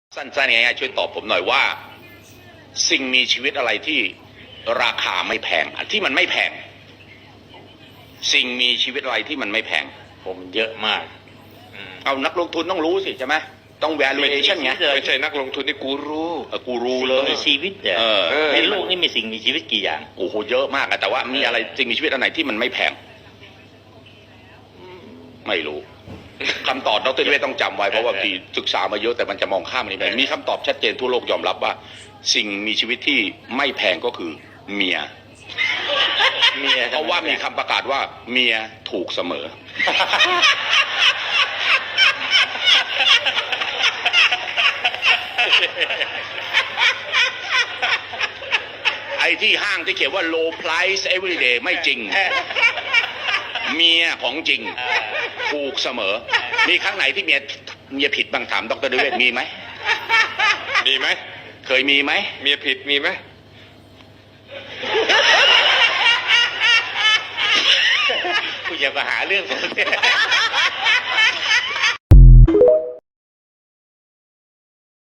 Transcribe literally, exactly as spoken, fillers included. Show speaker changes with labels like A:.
A: สั้นๆง่ายๆช่วยตอบผมหน่อยว่า สิ่งมีชีวิตอะไรที่ราคาไม่แพงอันที่มันไม่แพงสิ่งมีชีวิตอะไรที่มันไม่แพง
B: ผมเยอะมาก
A: เอานักลงทุนต้องรู้สิใช่ไหมต้อง valuation ไง
C: ไม่ใช่นักลงทุนที่กูรู้
A: เออกูรู้เลย
B: มีชีวิตเนี่ย
A: เออ
B: ในโลกนี้มีสิ่งมีชีวิตกี่อย่าง
A: โอ้โหเยอะมากอะแต่ว่ามีอะไรสิ่งมีชีวิตอันไหนที่มันไม่แพงไม่รู้คำตอบดรนิเวศน์ต้องจำไว้เพราะว่าพี่ศึกษามาเยอะแต่มันจะมองข้ามมันไปมีคำตอบชัดเจนทั่วโลกยอมรับว่า สิ่งมีชีวิตที่ไม่แพงก็คือเมีย
B: เมีย
A: เพราะว่ามีคำประกาศว่าเมียถูกเสมอ ไอ้ที่ห้างที่เขียนว่า low price every day ไม่จริง เมียของจริงถูกเสมอ มีครั้งไหนที่เมียเมียผิดบ้างถามดรนิเวศน์มีไหม
C: มีไหม
A: เคยมีไหม
C: เมียผิดมีไหม
B: คุณอย่ามาหาเรื่องผมเนี่ย